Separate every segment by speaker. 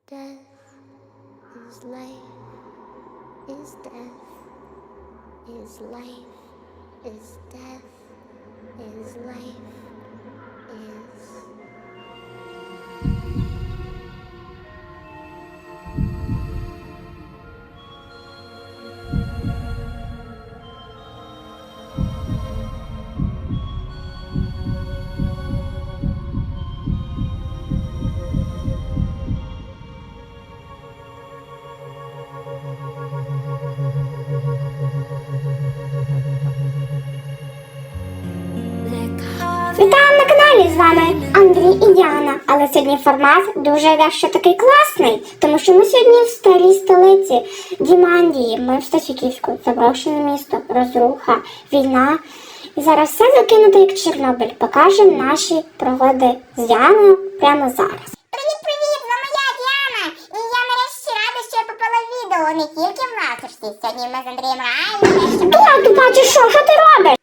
Speaker 1: Death is life, is death, is life, is death, is life, is...
Speaker 2: Вітаю на каналі, з вами Андрій і Діана. Але сьогодні формат дуже дещо такий класний, тому що ми сьогодні в старій столиці Дімандії. Ми в Стасюківську, заброшене місто, розруха, війна. І зараз все закинуто як Чорнобиль. Покажемо наші пригоди з Діаною прямо зараз.
Speaker 3: Привіт, з вами я, Діана. І я нарешті рада, що я попала в відео, не тільки в ласочці. Сьогодні ми з Андрієм реально
Speaker 2: Ти бачиш, що ти робиш?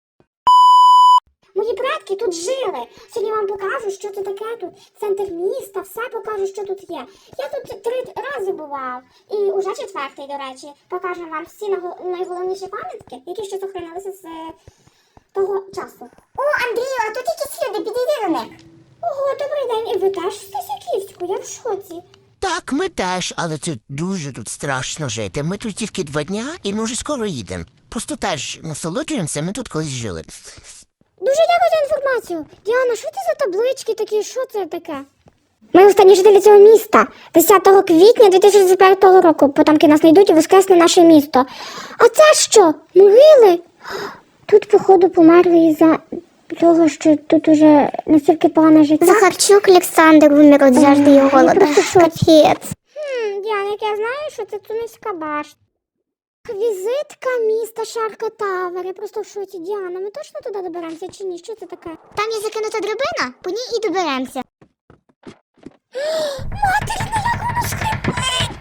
Speaker 2: Мої предки тут жили. Сьогодні вам покажу, що це таке тут. Центр міста, все покажу, що тут є. Я тут 3 рази бував. І уже 4-й, до речі. Покажу вам всі найголовніші пам'ятки, які ще зберігалися з того часу.
Speaker 3: О, Андрію, а тут якісь люди, підійди до них.
Speaker 2: Ого, добрий день. І ви теж в Стасюківську? Я в шоці.
Speaker 4: Так, ми теж, але це дуже тут страшно жити. Ми тут тільки 2 дня і ми вже скоро їдемо. Просто теж насолоджуємося, ми тут колись жили.
Speaker 2: Дуже дякую за інформацію. Діана, що це за таблички такі? Що це таке? Ми останні жителі цього міста. 10 квітня 2025 року. Потомки нас знайдуть і воскресне наше місто. А це що? Могили? Тут, походу, померли із-за того, що тут уже настільки погане життя.
Speaker 3: Захарчук Олександр вимер від жажди і голоду. Капець.
Speaker 2: Діана, як я знаю, що це Тунецька башта. Візитка міста Шарка Тавер. Я просто в шоці. Діана, ми точно туди доберемося чи ні? Що це таке?
Speaker 3: Там є закинута драбина, по ній і доберемося.
Speaker 2: Материна, як воно скрипить!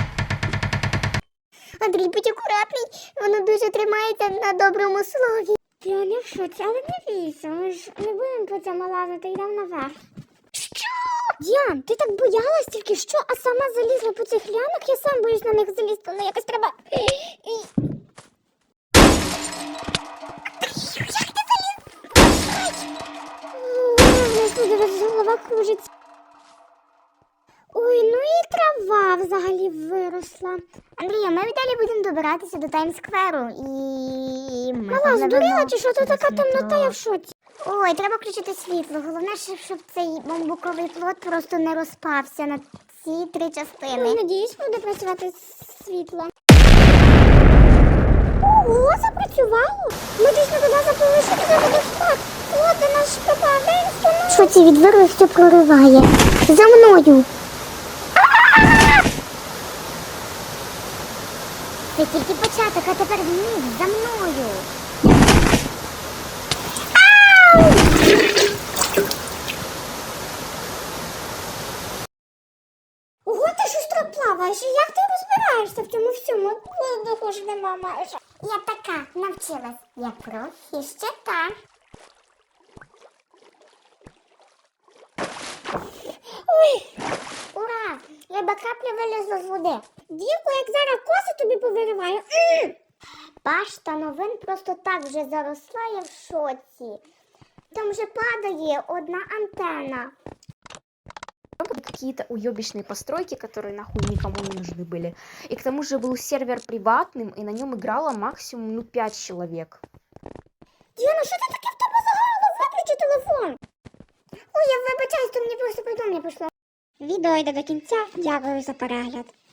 Speaker 3: Андрій, будь акуратний, воно дуже тримається на доброму слові.
Speaker 2: Я не в шоці, але не бійся, ми ж не будемо по цьому лазити, йдемо наверх.
Speaker 3: Що?
Speaker 2: Діан, ти так боялась тільки що, а сама залізла по цих лянах? Я сам боюсь на них залізти, але якось треба...
Speaker 3: Як ти заліз?
Speaker 2: Голова кружиться. Ой, ну і трава взагалі виросла.
Speaker 3: Андрія, ми далі будемо добиратися до Таймс-скверу і...
Speaker 2: Мала, здуріла чи що? Тут така темнота, я в шоці.
Speaker 3: Ой, треба включити світло. Головне, щоб цей бамбуковий плот просто не розпався на ці 3 частини.
Speaker 2: Ой, надіюсь, буде працювати світло. Ого, запрацювало? Ми дійсно туди заплили, що туди водоспад. Плоти наш пропаде,
Speaker 3: Що ці відверли, все прориває? За мною! Це тільки початок, а тепер вниз, за мною!
Speaker 2: Ого, ти шустро плаваєш, і як ти розбираєшся в цьому всьому? Воздуху ж нема майже.
Speaker 3: Я така навчилась. Я профі ще та.
Speaker 2: Ой,
Speaker 3: Ура! Риба крапля вилізла з води.
Speaker 2: дівко, як зараз коси тобі повириваю.
Speaker 3: Башта новин просто так вже заросла, я в шоці. Там вже падає одна антенна.
Speaker 5: Какие-то уебищные постройки, которые нахуй никому не нужны были. И к тому же был сервер приватным, и на нем играло максимум 5 человек.
Speaker 2: Діана, що ти таке в тебе загорало? Виключи телефон.
Speaker 3: Ой, я вибачаюсь, то мені просто повідомлення прийшло.
Speaker 2: Відео йде до кінця. Дякую за перегляд.